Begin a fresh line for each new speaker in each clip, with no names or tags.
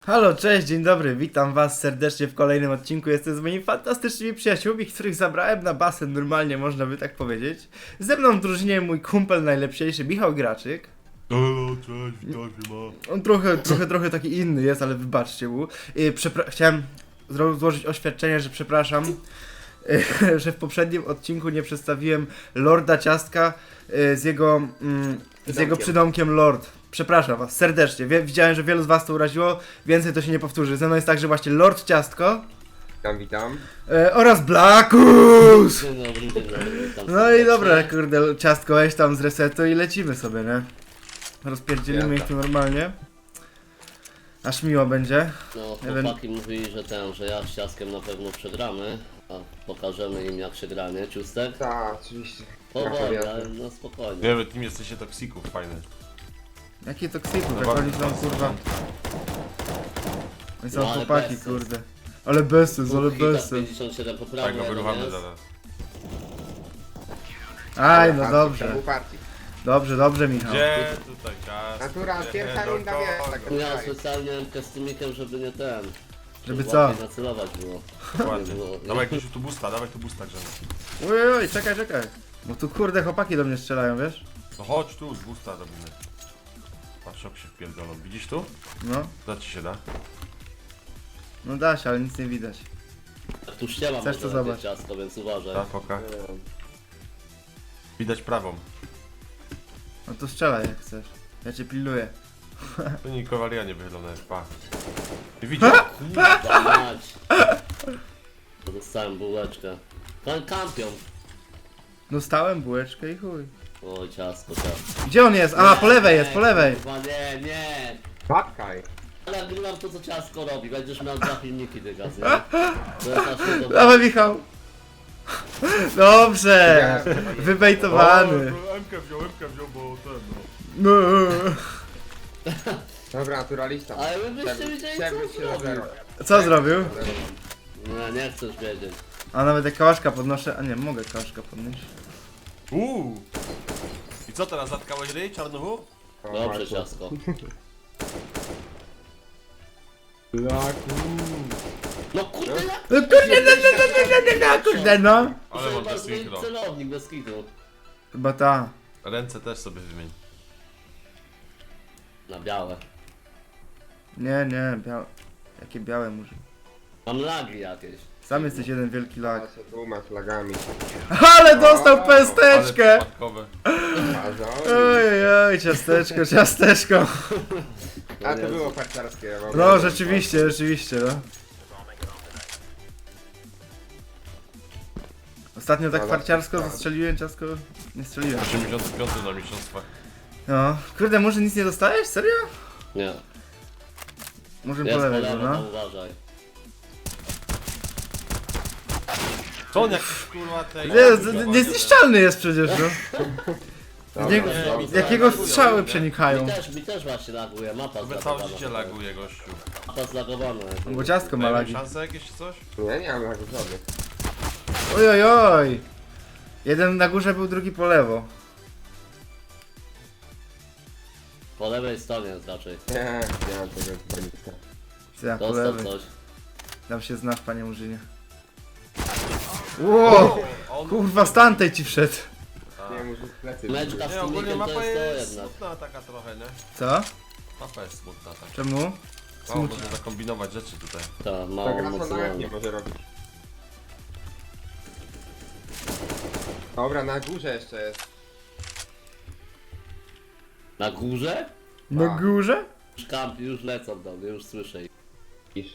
Halo, cześć, dzień dobry, witam was serdecznie w kolejnym odcinku. Jestem z moimi fantastycznymi przyjaciółmi, których zabrałem na basen, normalnie można by tak powiedzieć. Ze mną w drużynie mój kumpel najlepszy, Michał Graczyk.
Halo, cześć, witaj, ma.
On trochę taki inny jest, ale wybaczcie mu. Chciałem złożyć oświadczenie, że przepraszam, że w poprzednim odcinku nie przedstawiłem Lorda Ciastka z jego przydomkiem Lord. Przepraszam was serdecznie, widziałem, że wielu z was to uraziło, więcej to się nie powtórzy. Ze mną jest także właśnie Lord Ciastko.
Witam.
Oraz Blackus!
Dzień dobry, witam
No i
serdecznie.
dobra, kurde, Ciastko, weź tam z resetu i lecimy sobie, nie? Rozpierdzielimy ich tu normalnie. Aż miło będzie.
No, chłopaki mówili, że ja z Ciastkiem na pewno przegramy, a pokażemy im jak się gra, nie, Ciustek?
Tak, oczywiście.
Powoli, ale no spokojnie.
Nie, wy tym jesteście toksików, fajny.
Jakie toksików, jak
No
oni
bardzo,
są, kurwa. Oni są
No, ale
chłopaki,
bez
kurde. Ale bezsens, ale
Hita
bezsens.
57
Tak,
poprawnie,
go wyruchamy
jest.
zaraz.
Aj, no dobrze.
Partii.
Dobrze, Michał.
Gdzie tutaj czas?
Natura,
Gdzie
pierwsza
do
runda,
kogo?
wiesz, tak.
No ja specjalnie MK z tymikiem, żeby nie ten.
Żeby
żeby
co?
łatwiej nacelować było.
Dokładnie.
Nie było.
Dawaj jakiegoś tu busta, dawaj tu busta, Grzegorz.
Oj, czekaj. Bo tu kurde chłopaki do mnie strzelają, wiesz?
No chodź tu, z busta robimy. Patrz, jak się wpierdolą. Widzisz tu?
No,
Da ci się da?
no da się, ale nic nie widać.
Jak tu ściema
Chcesz
może
to
będzie
zobacz.
Ciastko, więc uważaj.
Tak, poka. Widać prawą.
No to strzelaj jak chcesz. Ja cię pilnuję.
To nie kowalia nie wychylone, pa. Nie widzisz?
Kurwa mać. To dostałem bułeczkę. Kampion.
Dostałem bułeczkę i chuj.
Oj, ciastko.
Gdzie on jest? A, po lewej jest, po lewej.
Kurwa, nie.
Patkaj.
Ale nagrywam to, co ciastko robi. Będziesz miał 2 filmiki, ty gaz, nie? To jest aż nie dobre.
Dawaj, Michał. Dobrze. Wybejtowany.
MK wziął, bo ten
No.
Dobra, naturalista.
Ale wy byście wiedzieli,
Chciałbym
co
się
zrobił.
zabrać.
Co zrobił?
Nie chcesz wiedzieć.
A nawet jak kałaszka podnoszę. A nie, mogę kałaszka podnieść.
I co teraz, zatkałeś ryj, czarnuchu?
Dobrze, ciastko. No kurde, jak?
No kurde, no.
Ale mam
Chyba
te
zmienić
synchro.
celownik bez kitu.
Chyba ta.
Ręce też sobie wymień.
Na białe.
Nie, białe. Jakie białe murzy.
Mam lagi jakieś.
Sam jesteś jeden wielki lag.
Ja się dwoma flagami.
Ale dostał
O,
pesteczkę!
Ale przypadkowe.
Oj, ciasteczko.
A to było parciarskie.
No, rzeczywiście, no. Ostatnio tak
No,
farciarsko
tak.
zastrzeliłem, ciastko nie strzeliłem.
85 na mistrzostwach.
No, kurde, może nic nie dostałeś? Serio?
Nie.
Może
Jest
po
po
lewej,
lewo,
no.
tam uważaj.
Co on jak kurwa tej...
Niezniszczalny jest przecież, no. Z niego,
Dobra,
z jakiego strzały przenikają.
Mi też właśnie laguje, mapa
Chyba całe
zlagowana.
życie laguje gościu.
Mapa zlagowana.
Bo ciastko ma
Dajmy
lagi.
szansę jakieś czy coś?
Nie mam lagów żadnych.
Oj. Jeden na górze był, drugi po lewo.
Po lewej stronie jest raczej.
Nie mam tego zbrojnika.
Ja po
Dostał
lewej.
coś.
Tam się znasz, panie Murzynie. Wow,
On...
kurwa, z tamtej ci wszedł.
Nie, muszę plecy.
Meczka z
Nie, ogólnie
filmikiem to
mapa
jest to
jest
jednak.
smutna taka trochę, nie?
Co?
Mapa jest smutna tak.
Czemu?
O, można zakombinować rzeczy tutaj.
Ta,
Ta
mało
gra
mocno.
sama jak nie może robić. Dobra, na górze jeszcze jest.
Na górze?
Na
Tak.
górze?
Już kampi, już lecą do mnie, już słyszę ich.
Iż.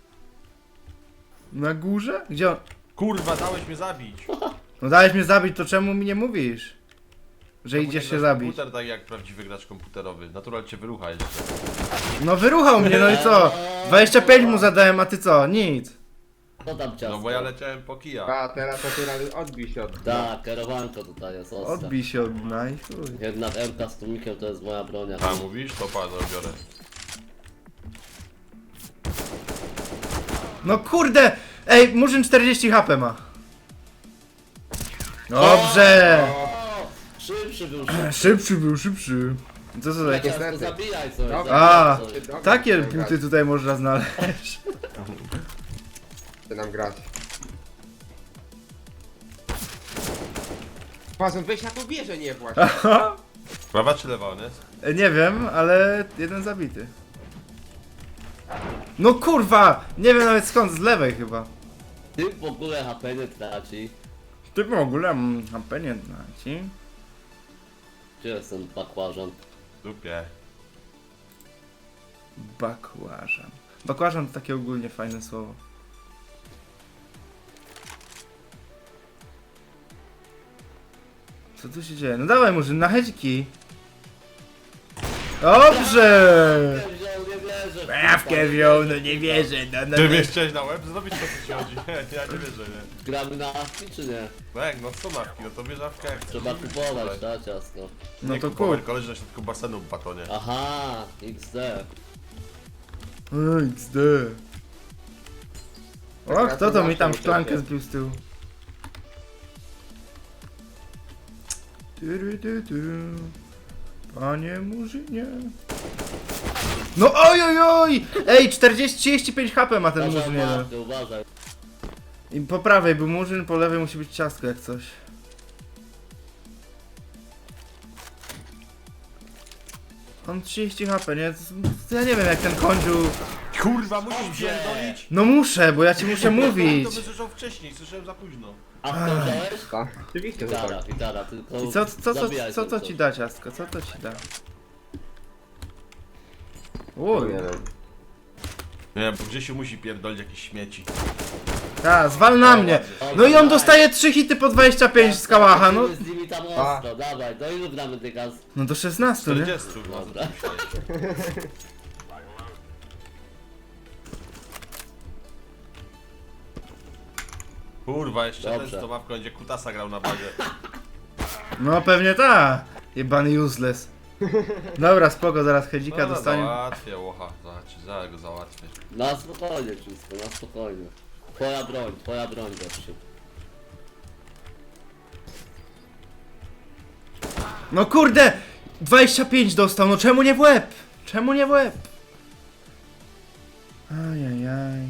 Na górze? Gdzie on?
Kurwa, dałeś mnie zabić!
No dałeś mnie zabić, to czemu mi nie mówisz? Że idziesz się zabić.
Komputer tak jak prawdziwy gracz komputerowy. Natural cię wyrucha jeszcze.
No wyruchał mnie, no i co? 25 mu zadałem, a ty co? Nic.
Co tam ciasto?
No bo ja leciałem po kija.
A teraz natural odbij się od...
Tak, kierowanko tutaj jest ostre.
Odbij się od dna i chuj.
Jednak MK z tłumikiem to jest moja bronia.
A mówisz? To pan, no biorę.
No kurde! Ej, Murzyn 40 HP ma. Dobrze!
O, szybszy był
Szybszy był, szybszy. Co to za jakieś...
Niestety.
Zabijaj coś.
Dobra.
A,
zabijaj coś.
Dobra,
takie
chcę
buty
grać.
tutaj można znaleźć.
Chcę nam grać. Pazon, weź na tą wieżę nie właź.
Prawa czy lewa on jest?
Nie wiem, ale jeden zabity. No kurwa! Nie wiem nawet skąd, z lewej chyba.
Ty w ogóle HP nie traci.
Ty w ogóle HP nie znaci.
Gdzie jest ten bakłażan?
Dupie.
Bakłażan. Bakłażan to takie ogólnie fajne słowo. Co tu się dzieje? No dawaj Murzyn, na hedziki. Dobrze!
Wziął, nie wierzę.
Prawkę wziął, no nie wierzę, no.
Ty mnie chciałeś na łeb zrobić, to co ci chodzi? Nie, ja nie wierzę, nie.
Gramy na awki czy nie?
No jak, no co nawki, no to bierz nawkę jak chcesz.
Trzeba kupować, tak ciasko.
No
Nie
to
kupować,
kup.
koleś na środku basenu w batonie.
Aha, XD.
XD. O, kto to mi tam szklankę zbił z tyłu? Panie Murzynie. No oj oj oj! Ej, 35 HP ma ten
Uważaj,
Murzyn jeden.
Marty, uważaj.
I po prawej był Murzyn, po lewej musi być ciastko jak coś. On 30 HP, nie? To ja nie wiem jak ten kądziu...
Kurwa, musisz pierdolić!
No muszę, bo ja ci muszę mówić.
To by słyszał wcześniej, słyszałem za późno.
A kto wziąłeś?
Tak, oczywiście, że
Gitara,
tak.
gitara, tylko
I co
zabijaj
to
coś.
ci da ciastko? Co to ci da?
No
Uj,
nie wiem.
Nie, bo Grzesiu musi pierdolić jakieś śmieci.
ta, zwal na mnie. No i on dostaje 3 hity po 25 z kałacha, no.
Z nimi tam ostro, dawaj, do ilu gramy dygas?
No do 16, nie?
40, no co
Dobra.
ty myślałeś? Kurwa, jeszcze
Dobrze.
ten z tą mapką będzie kutasa grał na bazie.
No pewnie ta. Jebany useless. Dobra, spoko, zaraz hedzika
No,
dostanie.
załatwię, łocha, zaraz go załatwię.
Na spokojnie, wszystko, na spokojnie. Twoja broń, gościu.
No kurde! 25 dostał, no czemu nie w łeb? Czemu nie w łeb? Ajajaj.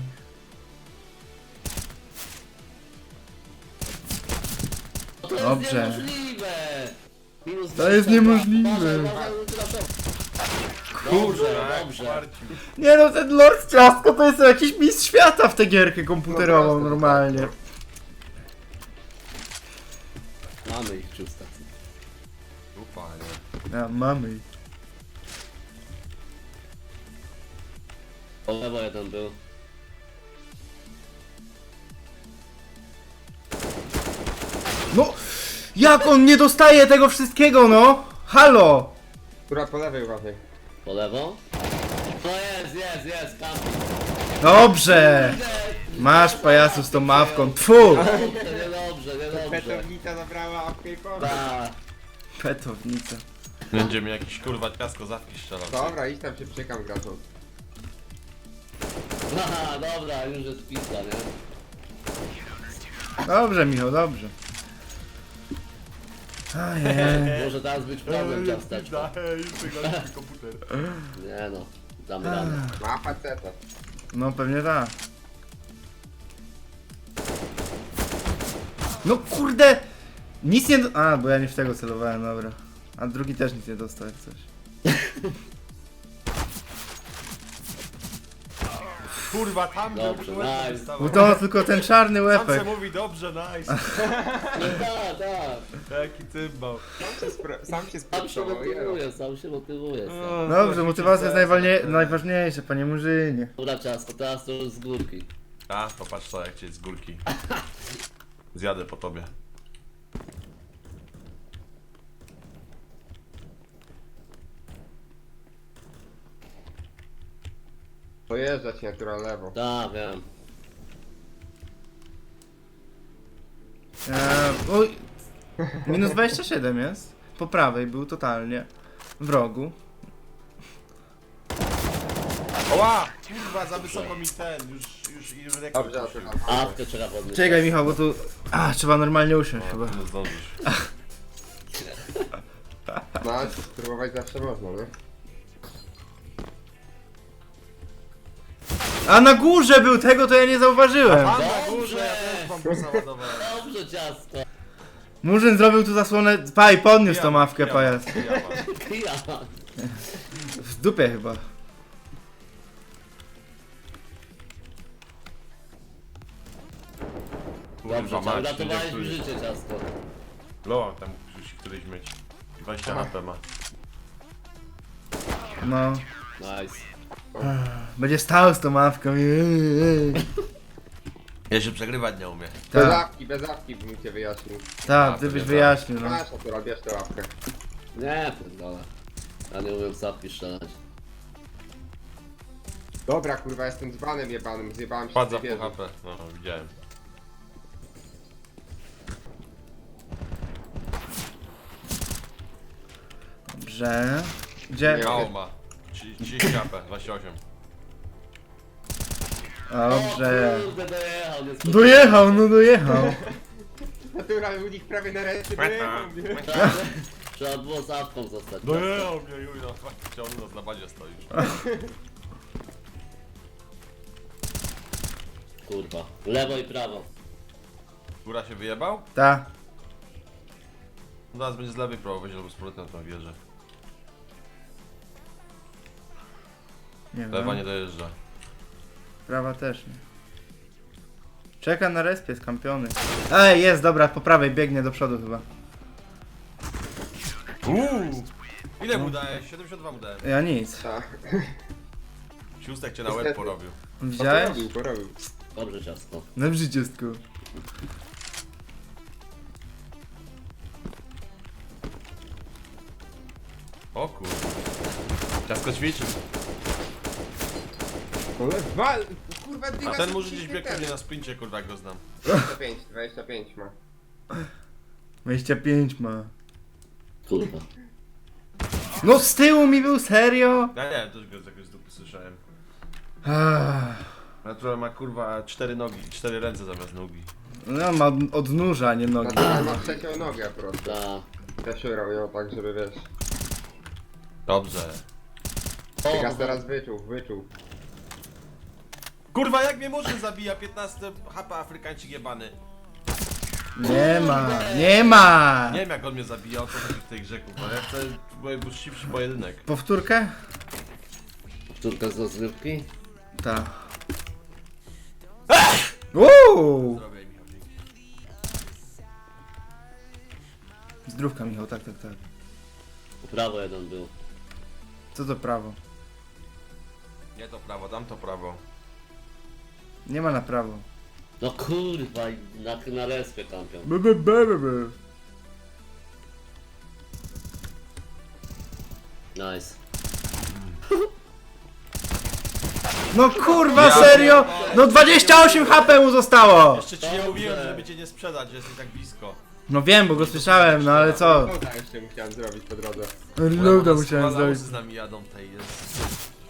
To jest
Dobrze.
niemożliwe! Minus
To jest
22.
niemożliwe.
Uważaj, ultraszok.
Kurwa,
Dobrze.
Marcin.
Nie no, ten Lord Ciastko to jest jakiś mistrz świata w tę gierkę komputerową
No,
normalnie.
Mamy ich czysta.
Dupa, nie.
A, mamy.
Po lewo jeden był.
No! Jak on nie dostaje tego wszystkiego, no? Halo!
Która po lewej uważaj.
Po lewo? No jest, tam.
Dobrze! Masz pajacu z tą mawką, tfu!
Niedobrze.
Petownica zabrała apkę i poszła.
Tak.
Petownica.
Będzie mi jakiś kurwa ciasko zawki strzelał.
Dobra, idź tam się przykam graczom.
Aha, dobra, już jest pizza, nie?
Dobrze, Michał, dobrze. Ajej.
Może teraz być problem ciasteczko.
Już wygląda komputer.
Nie no, damy radę.
Ma faceta.
No pewnie tak. No kurde! Nic nie do... A, bo ja nie w tego celowałem, dobra. A drugi też nic nie dostał jak coś.
Kurwa, tam
Dobrze,
był
nice.
Bo to tylko ten czarny
Sam
łepek.
se mówi dobrze, nice.
Tak.
Jaki cymbał.
Sam się
Sam się
sprostował, jelo.
motywuje.
Dobrze, motywacja jest najważniejsza, panie Murzynie.
Dobra ciasto, teraz to już z górki.
A, popatrz to jak cię z górki. Zjadę po tobie.
Pojeżdżać natura lewo.
Tak, wiem.
Oj, minus 27 jest. Po prawej był totalnie. W rogu.
Oła! Kurwa, za wysoko mi ten, już rekord.
Dobrze,
puścił.
Awkę trzeba podnieść.
Czekaj Michał, bo tu... A, trzeba normalnie usiąść chyba.
Nie zdążysz.
No, ale spróbować zawsze można, nie?
A na górze był, tego to ja nie zauważyłem.
A na górze ja też bambusa ładowałem.
Dobrze, ciastko.
Murzyn zrobił tu zasłonę. Paj, podniósł tą mawkę, pajac.
Ja.
W dupie chyba.
Dobrze,
Kurwa mać,
uratowałeś mi życie, ciastko.
Loa tam musi któryś mieć. 20 HP ma.
No.
Nice.
Będzie stał z tą mawką.
Ja się przegrywać nie umiem.
Tak,
Bez łapki bym cię wyjaśnił.
tak, ty byś wyjaśnił, no.
Masz, akurat, bierz tę łapkę.
Nie, pierdolę. Ja nie umiem zapki strzelać.
Dobra, kurwa, jestem dzbanem jebanym, zjebałem się
Padza
z tej
po
wieży.
HP. No, widziałem.
Dobrze. Gdzie?
Nie.
Mało ma. 30 HP, 28.
Dobrze.
O kurde, dojechał, nie
Dojechał, no dojechał.
Natura u nich prawie na ręce dojechał, nie?
Trzeba było zapką zostać.
Dojechał mnie, Juj, no faktycznie on u nas na bazie stoi już.
Kurwa. Lewo i prawo.
Góra się wyjebał?
Ta.
Zaraz będzie z lewej próbować albo z powrotem na tą wieżę.
Nie
Lewa nie
wiem.
dojeżdża.
Prawa też nie. Czeka na respie, skampiony. Ej, jest, dobra, po prawej biegnie do przodu chyba.
Ile mu dałeś? 72 mu dałem.
Ja nic.
Tak.
Siustek cię na łeb porobił.
Widziałeś?
Porobił.
Dobrze, ciastko.
Na brzyciestku.
O kurwa. Ciasko ćwiczył.
Kurwa,
A ten może gdzieś biegł mnie na sprincie, kurwa, jak go znam.
25 ma.
25 ma.
Kurwa.
No z tyłu mi był, serio?
Ja nie wiem, też go z jakiejś dupy słyszałem.
Ah.
Natura ma kurwa 4 nogi, 4 ręce zamiast nogi.
No ma odnóża, a nie nogi.
Natura ma trzecią nogę po prostu.
Ta.
Też ją tak, żeby wiesz.
Dobrze.
Tygas teraz wyczuł.
Kurwa, jak mnie Murzyn zabija 15 HP Afrykańczyk jebany.
Nie ma, nie ma!
Nie wiem jak on mnie zabija, o co chodzi w tej grze, kurwa. Ja chcę uczciwszy pojedynek.
Powtórkę?
Sztuka z rozrywki.
Ta. Uuu!
Zrobię Michał, dzięki.
Zdrówka, Michał, tak, tak, tak.
Prawo jeden był.
Co to prawo?
Nie to prawo, dam to prawo.
Nie ma na prawo.
No kurwa, i na respie kampią.
Be.
Nice.
No kurwa, serio? No 28 HP mu zostało!
Jeszcze ci nie mówiłem, żeby cię nie sprzedać, że jesteś tak blisko.
No wiem, bo go słyszałem, no ale co?
Loda jeszcze musiałem zrobić po drodze.
Loada musiałem zrobić.
z nami jadą tej jest.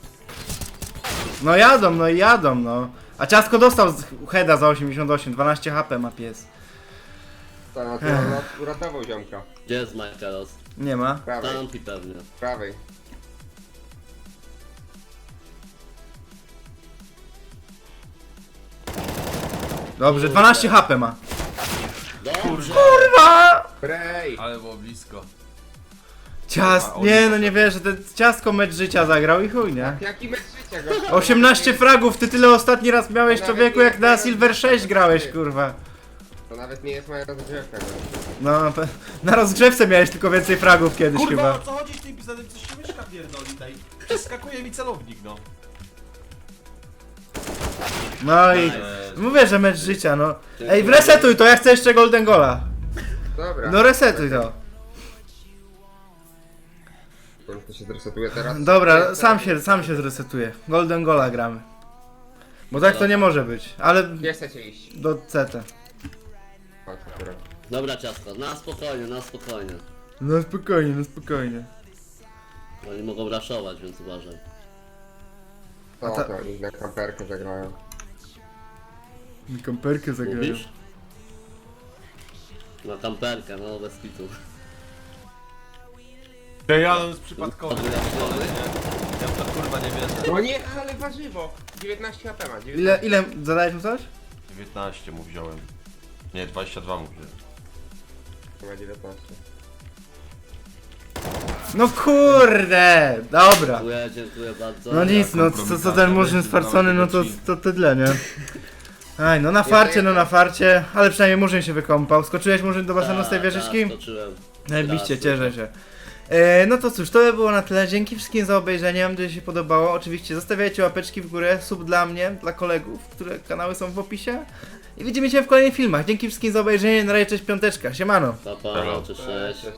No i jadą, no. A Ciasko dostał z heada za 88, 12 HP ma pies.
Ta natura uratował ziomka.
Gdzie jest Michaelos?
Nie ma.
Prawej,
Tampi pewnie.
prawej.
Dobrze, 12 HP ma.
Dobrze.
Kurwa!
Brej!
Ale było blisko.
Nie no nie wierzę, ten Ciasko mecz życia zagrał i chuj, nie?
Jaki mecz życia, gościu?
18 fragów, ty tyle ostatni raz miałeś człowieku jak na Silver 6 grałeś, kurwa.
To nawet nie jest moja rozgrzewka, gościu.
No, na rozgrzewce miałeś tylko więcej fragów kiedyś
Kurwa,
chyba.
o co chodzi z tym pisanym? Coś się myszka pierdoli tej. Przeskakuje mi celownik, no.
No i mówię, że mecz życia, no. Ej, resetuj to, ja chcę jeszcze Golden Gola.
Dobra.
No resetuj to.
To się zresetuje teraz?
Dobra, sam się zresetuje. Golden Gola gramy. Bo tak to nie może być, ale
Gdzie chcecie iść?
do CT.
Chodź, natura.
Dobra, ciastko, na spokojnie, na spokojnie.
No spokojnie, no spokojnie.
Oni mogą raszować, więc uważaj.
To i na kamperkę zagrają.
Mi kamperkę zagrają.
Mówisz? Na kamperkę, no bez kitu.
Ty, ja on jest przypadkowy.
Ja w to kurwa nie wierzę.
No nie, ale warzywo. 19 HP ma. 19.
Ile zadałeś mu coś?
19 mu wziąłem. Nie, 22 mu wziąłem.
Ma 19.
No kurde! Dobra.
Dziękuję bardzo.
No nic, no co ten murzyn sfarcony, no to tyle, nie? Aj, no na farcie, ale przynajmniej murzyn się wykąpał. Skoczyłeś murzyn do basenu z tej wieżyczki?
Skoczyłem.
Najbliższe,
Raz,
cieszę się. No to cóż, to by było na tyle. Dzięki wszystkim za obejrzenie, mam nadzieję, że się podobało. Oczywiście zostawiajcie łapeczki w górę, sub dla mnie, dla kolegów, które kanały są w opisie. I widzimy się w kolejnych filmach. Dzięki wszystkim za obejrzenie, na razie, cześć, piąteczka, siemano.
Pa, pa, cześć.